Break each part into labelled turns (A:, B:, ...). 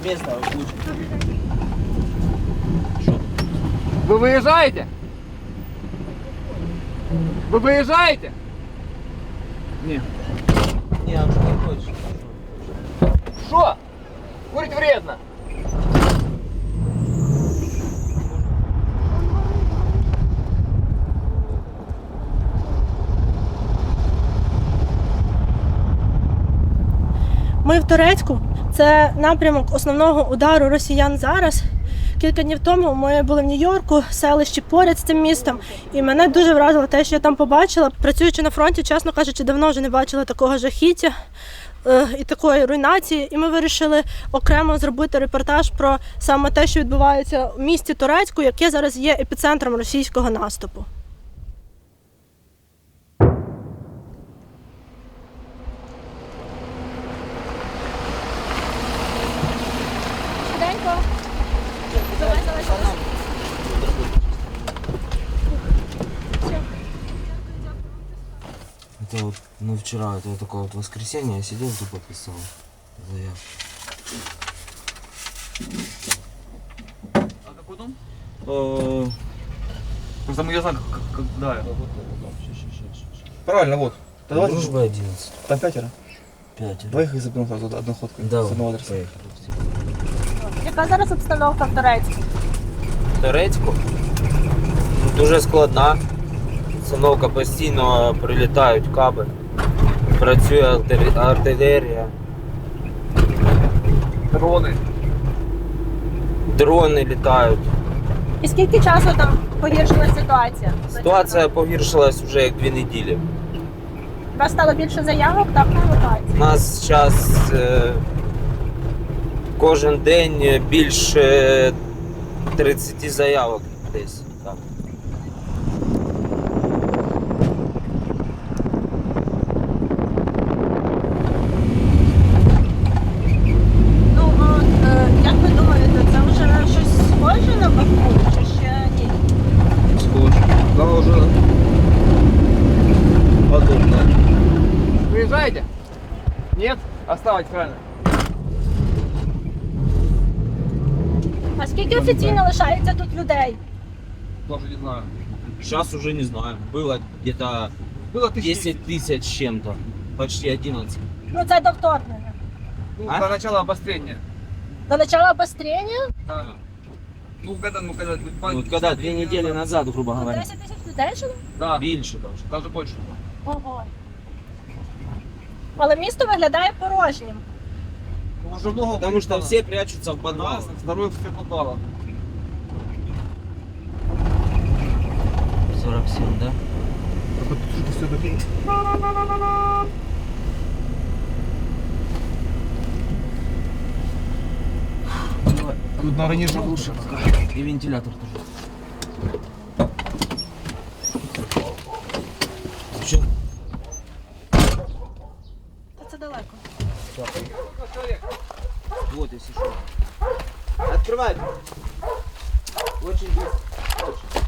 A: место лучше.
B: Вы выезжаете? Вы выезжаете? Нет.
A: Не, он же не хочет.
B: Что? Курить вредно.
C: Ми в Торецьку. Це напрямок основного удару росіян зараз. Кілька днів тому ми були в Нью-Йорку, селищі поряд з цим містом. І мене дуже вразило те, що я там побачила. Працюючи на фронті, чесно кажучи, давно вже не бачила такого жахіття і такої руйнації. І ми вирішили окремо зробити репортаж про саме те, що відбувається в місті Торецьку, яке зараз є епіцентром російського наступу.
A: Это вот, ну вчера, это такое вот воскресенье, я сидел, тупо писал заявку.
B: А какой дом? Просто мы не знаем, когда это. Правильно, вот.
A: Дружба 11.
B: Там 5.
A: 5.
B: Двоих их заберем сразу одной ходкой.
A: Да,
B: С одного адреса.
C: Яка зараз обстановка в Торецьку?
A: Торецьку? Дуже складна. Обстановка постійно прилітають каби. Працює артилерія.
B: Дроны.
A: Дрони літають.
C: І скільки часу там погіршилася ситуація?
A: Ситуація погіршилась вже як 2 неділі.
C: У вас стало більше заявок, так, на евакуацію?
A: У нас зараз кожен день більше 30 заявок десь. Так.
C: Ну, як ви думаєте, це вже щось схоже на Бахмут, чи ще ні?
B: Схоже. Да, уже подобно. Выезжаете? Нет? Оставайтесь, правильно.
C: А скільки офіційно лишається тут людей?
B: Даже не знаю.
A: Сейчас уже не знаю. Было где-то
B: Было
A: 10 тысяч с чем-то. Почти 11.
C: Ну, це до вторгнення.
B: Ну,
A: А?
B: до начала обострения.
C: До начала обострення?
B: Да. Ну, когда,
A: Вот когда 2 недели назад, грубо говоря.
C: 10 тисяч людей жило?
B: Да,
A: Меньше даже.
B: даже больше.
C: Ого. Але місто виглядає порожнім.
B: Ну, уже много.
A: Потому что все прячутся в подвалах.
B: Второй все подвала.
A: 47, да?
B: Тут, наверное, не живут.
A: И вентилятор тоже. Что?
C: Та це далеко.
A: Вот, если что. Открывай. Очень быстро. Очень.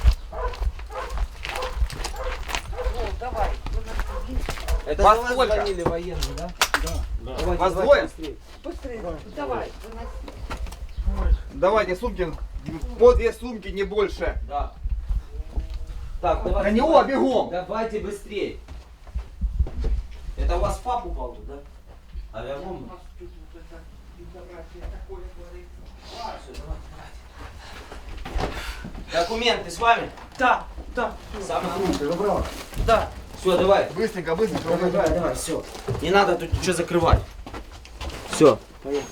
B: Ну, давай.
A: Это
B: Вас
A: за вас
B: сколько?
A: звонили военные, да? Давайте,
B: Вас
A: давайте
B: двое?
A: быстрее.
B: Давай. Давайте сумки. По 2 сумки, не больше.
A: Да. Так, давайте.
B: На него бегом.
A: Давайте быстрее. Это у вас пап упал тут, да? Авиабомба? Документы с вами?
B: Да, да.
A: Самое лучшее.
B: Да.
A: Все, давай.
B: Быстренько, быстренько.
A: Давай, давай, все. Не надо тут ничего закрывать. Все, поехали.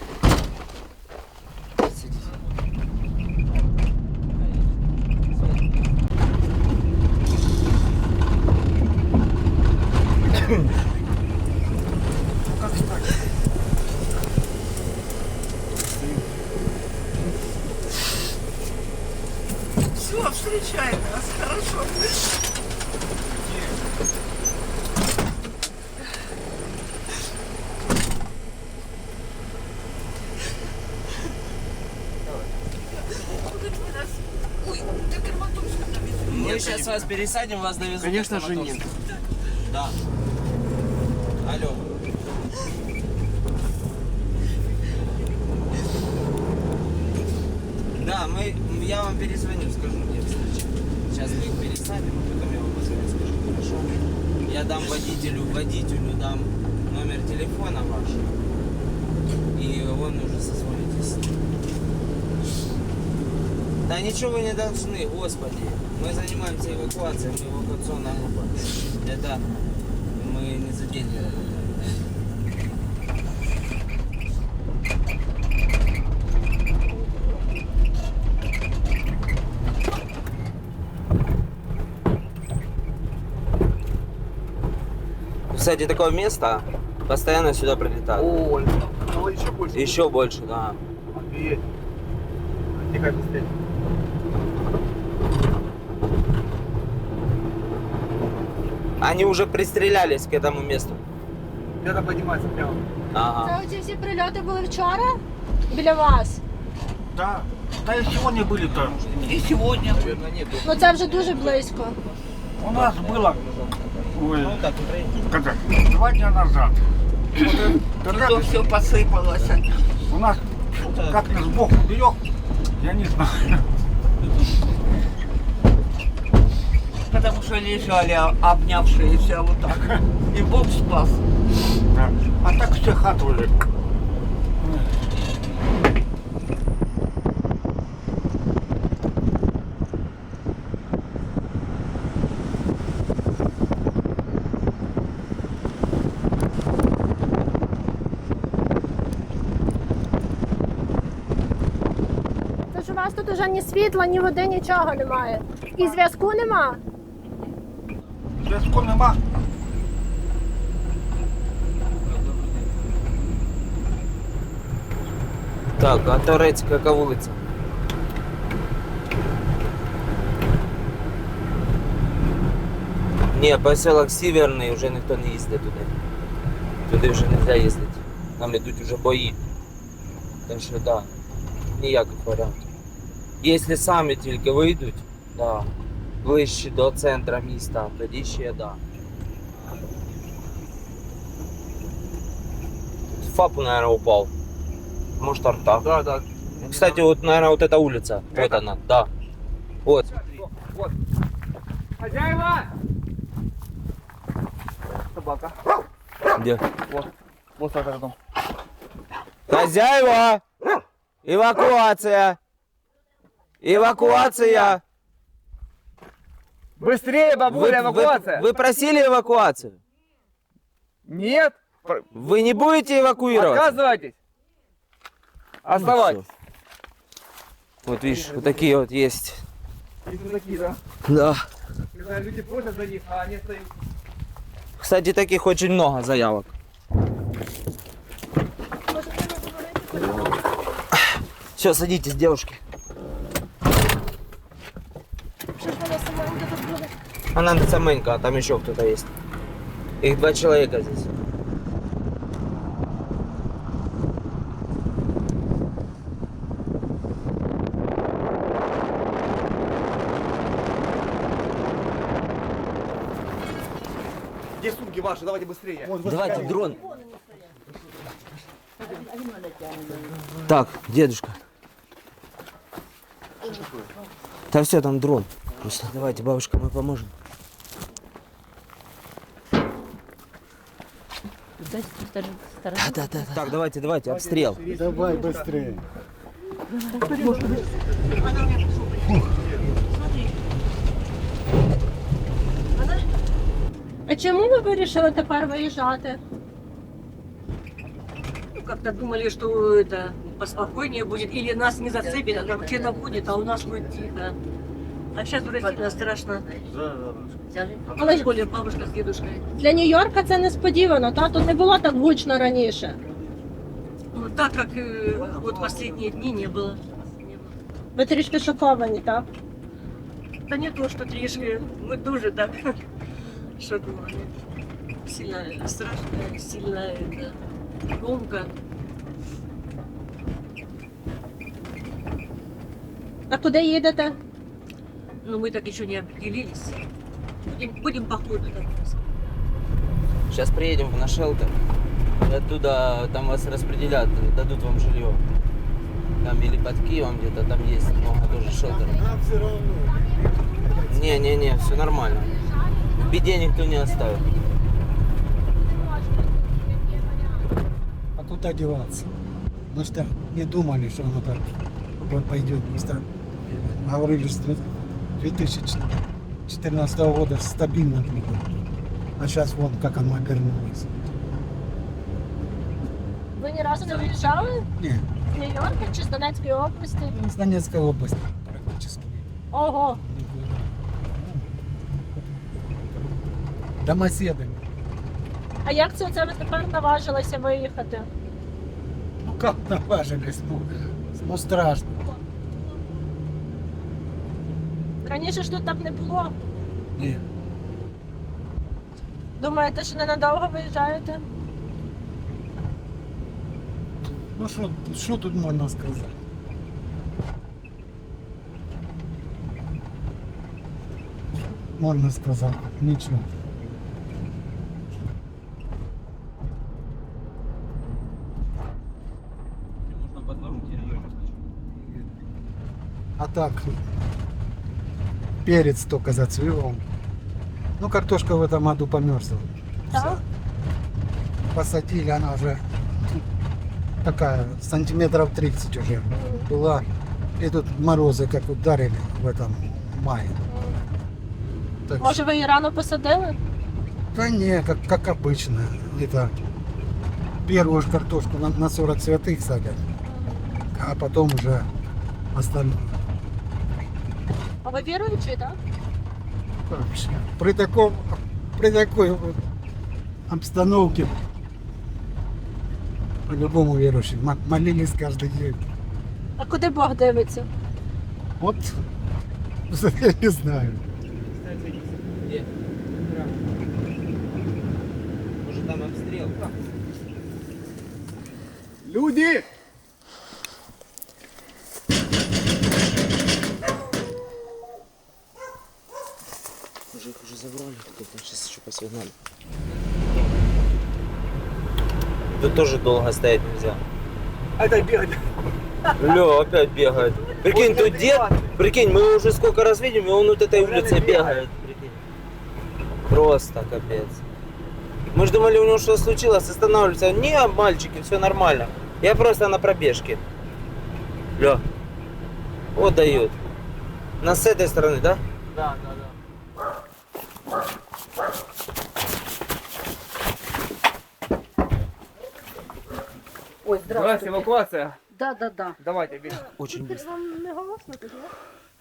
D: Все, встречай нас, хорошо. Ой, ты Краматорск довезли.
A: Мы сейчас вас пересадим, вас довезут.
B: Конечно же нет.
A: Да. Алло. Да, я вам перезвоню, скажу, где встреча. Сейчас мы их пересадим, а потом я вам позвоню, скажу, хорошо? Я дам водителю дам номер телефона ваш. И он уже созвонитесь с ним. Да ничего вы не должны, господи. Мы занимаемся эвакуацией, мы эвакуационная группа. Это мы не за деньги работаем. Кстати, такое место постоянно сюда прилетают.
E: Ой, ну еще больше.
A: Еще больше, да.
E: Офигеть. Тихо, быстрее.
A: Они уже пристрелялись к этому месту.
E: Где-то поднимается прямо.
A: Ага.
C: Це оці всі прильоти були вчора біля вас.
B: Да. Да и сегодня были там.
D: И сегодня.
C: Ну це вже дуже близько.
B: У нас было, ой, когда, 2 дня назад. Вот тогда
D: То все посыпалось.
B: у нас как-то сбоку берег, я не знаю.
D: Потому что лежали обнявшиеся вот так. И Бог спас.
B: Да. А так все хату уже.
C: Це ж у вас тут уже ні світла, ні води, нічого немає. І зв'язку нема.
B: Зв'язку нема.
A: Так, а Торецька яка вулиця? Ні, поселок Северний, вже ніхто не їздить туди. Туди вже не можна їздити. Там йдуть вже бої. Так що да, ніяких варіантів. Якщо самі тільки вийдуть, да, ближче до центру міста, тоді ще да. ФАП, наверное, упал. Может, арта.
E: Да, да.
A: Кстати, вот, наверное, вот эта улица. Вот она, да. Вот.
E: Вот. Хозяева! Собака.
A: Где?
E: Вот за городом.
A: Хозяева! Эвакуация! Эвакуация!
E: Быстрее, бабуля, эвакуация!
A: Вы просили эвакуацию?
E: Нет!
A: Вы не будете эвакуировать?
E: Отказывайтесь! Оставайтесь!
A: Вот видишь, вот такие вот есть.
E: Есть вот такие, да?
A: Да.
E: Когда люди просят за них, а они стоят.
A: Кстати, таких очень много заявок. Все, садитесь, девушки.
C: Що ж вона саменька тут буде?
A: Она саменькая, а там еще кто-то есть. Их 2 человека здесь.
E: Где сумки ваши? Давайте быстрее.
A: Давайте дрон. Так, дедушка. Да все, там дрон. Просто давайте, бабушка, мы поможем. Да. Так, давайте, обстрел.
B: Давай быстрее.
C: А чому ви вирішили тепер виїжджати?
F: Ну, как-то думали, что это поспокойнее будет, или нас не зацепит, а там где-то будет, а у нас будет тихо. А сейчас вроде сильно страшно.
C: Але ж
F: Более бабушка с дедушкой.
C: для Нью-Йорка це несподівано, та тут не було так гучно раніше.
F: Ну, так как вот последние дни не было.
C: Ви трішки шоковані, так?
F: Да не то, что трішки, мы тоже так шоковали. Сильно страшно, сильно это, громко.
C: А куди їдете?
F: Но мы так еще не определились. Будем по ходу так.
A: Сейчас приедем на шелтер. И оттуда там вас распределят, дадут вам жилье. Там или под Киевом где-то, там есть много тоже шелтеров. Не, все нормально. В беде никто не оставит.
G: А куда деваться? Мы что не думали, что оно так пойдет быстро. Говорили, что 2014 года стабильно будет. А сейчас вон как оно обернулось.
C: Ви ні разу не виїжджали?
G: Не,
C: З Нью-Йорка чи з Донецької області?
G: с Донецкой области практически.
C: Ого.
G: Не было. Домоседами.
C: А як це ви тепер наважилися виїхати?
G: Ну как наважились? Ну страшно.
C: Раніше ж тут так не було.
G: Не.
C: Думаєте, що ненадовго виїжджаєте?
G: Ну что тут можно сказать? Можно сказать, ничего. А так, перец только зацвел. Ну, картошка в этом году померзла.
C: Так?
G: Посадили, она уже такая, сантиметров 30 уже была. И тут морозы как ударили в этом мае. Так
C: Може, ви її рано посадили?
G: да не, как обычно. Это первую ж картошку на 40 святых садят, а потом уже остальное.
C: А ви віруючі, так?
G: Вообще, при такой вот обстановке по-любому верующим молились каждый день.
C: А куди Бог дивиться?
G: Вот я не знаю.
A: Где? Может там обстрел?
E: Люди!
A: Уже их уже забрали, кто-то сейчас еще посигнали. Тут тоже долго стоять нельзя.
E: Это бегать.
A: Лё, опять бегает. Прикинь, тут дед, прикинь, мы уже сколько раз видим, и он вот этой улицей бегает. Прикинь. Просто капец. Мы же думали, у него что случилось, останавливается. Не, мальчики, все нормально. Я просто на пробежке. Лё. Вот дает. Нас с этой стороны, да? Да.
F: Ой,
E: Здравствуйте, эвакуация.
F: Да.
E: Давайте, бежим.
A: Очень быстро.
C: Вам не голосно тут, ні?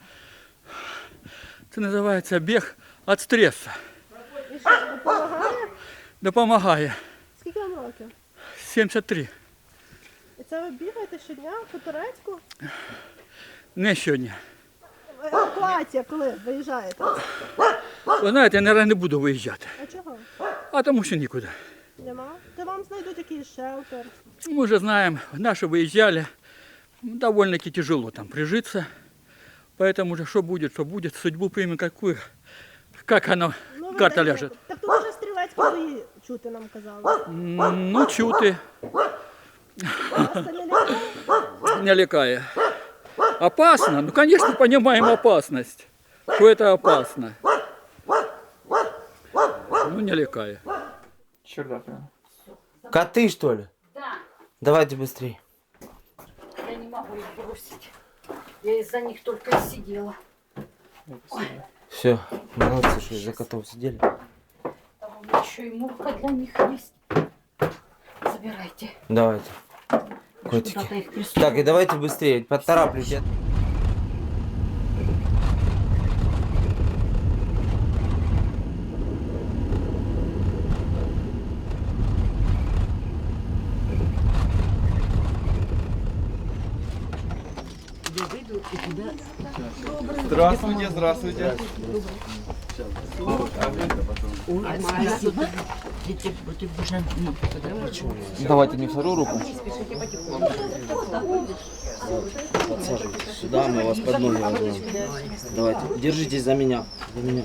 H: Це називається біг від стресу.
C: І що, допомагає?
H: Допомагає.
C: Скільки вам років?
H: 73.
C: І це ви бігаєте щодня по Турецьку?
H: Не сьогодні.
C: Евакуація, коли виїжджаєте?
H: Ви знаєте, я, мабуть, не буду виїжджати.
C: А чого?
H: А тому що нікуди.
C: Нема? Та вам знайдуть якийсь шелтер.
H: Мы уже знаем, наши выезжали. Довольно-таки тяжело там прижиться. Поэтому уже что будет, судьбу примем какую, как она,
C: Ну, ви
H: карта
C: дайте.
H: ляжет.
C: Так тут вже стрілецькі бої чути нам казали.
H: Ну, чути,
C: Вас це не лякає?
H: не лекая. Опасно? Ну, конечно, понимаем опасность, что это опасно. Ну, не лекая.
E: Чердак, прям.
A: Коты, что ли?
F: Да.
A: Давайте быстрее.
F: Я не могу их бросить. Я из-за них только и сидела.
A: Все, молодцы, что из-за котов сидели.
F: Там у меня еще и мурка для них есть. Забирайте.
A: Давайте.
F: Я ж
A: Котики.
F: куда-то их присунула.
A: Так, и давайте быстрее, поторапливайте.
E: Здравствуйте, здравствуйте.
A: Давайте не вторую руку. Подсаживайтесь сюда, мы вас под ноги возьмем. Давайте, держитесь за меня. За меня.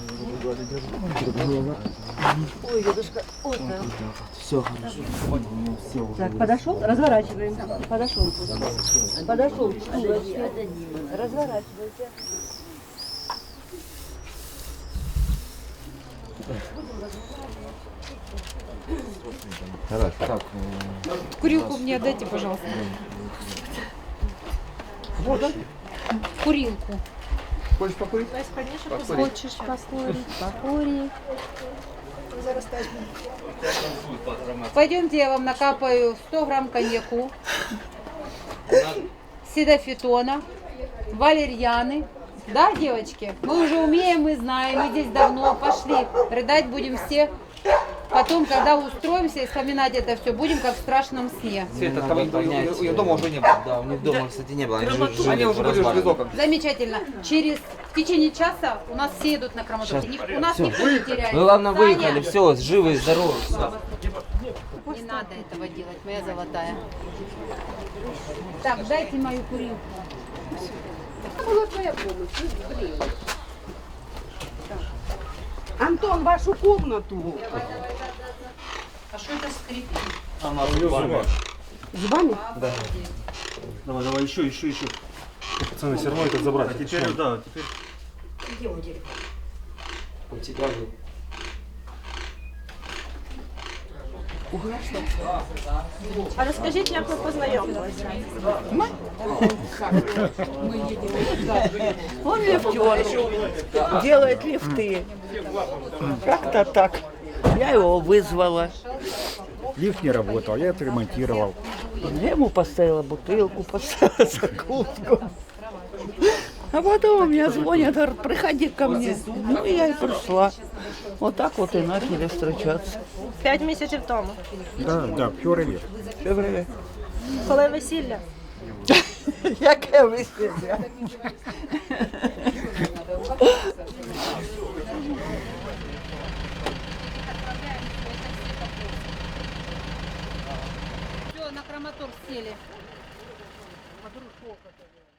F: Ой, дедушка, ой, да.
A: Все хорошо.
F: Так, подошел, разворачиваем. Подошел. Подошел. Разворачивайся.
I: Курилку мне отдайте, пожалуйста. Курилку.
E: Хочешь покурить?
C: Хочеш покурити? Покурі.
I: Пойдемте, я вам накапаю 100 грамм коньяку, сидофитона, валерьяны. Да, девочки? Мы уже умеем, мы знаем, мы здесь давно. Пошли, рыдать будем все. Потом, когда устроимся и вспоминать это все, будем как в страшном сне.
E: Света, там у нее дома уже не было.
A: Да, у них дома, кстати, не было. Они
E: Они уже были в визоках.
I: Замечательно. В течение часа у нас все идут на Краматорск. У нас никто не теряется.
A: Вы, главное,
I: Таня,
A: выехали, все, живы и здоровы. Всё.
I: Не надо этого делать, моя золотая. Так, дайте мою курилку.
F: Антон, вашу комнату.
I: А что это скрипит?
F: С вами?
B: Давай, давай, еще.
J: Пацаны, все равно это забрать.
B: А теперь, да, теперь.
A: У тебя же.
C: А розкажіть, як ви познайомилися?
D: Он лифтер, делает лифты. Как-то так. Я его вызвала.
B: Лифт не работал, я это ремонтировал.
D: Я ему поставила бутылку, поставила закуску. А потом мне звонят, говорят, приходи ко мне. Ну, я и пришла. Вот так вот и начали встречаться.
C: 5 місяців тому.
B: Да, в феврале.
C: Коли весілля?
D: Яке весілля?
I: Все, на Краматорск сели.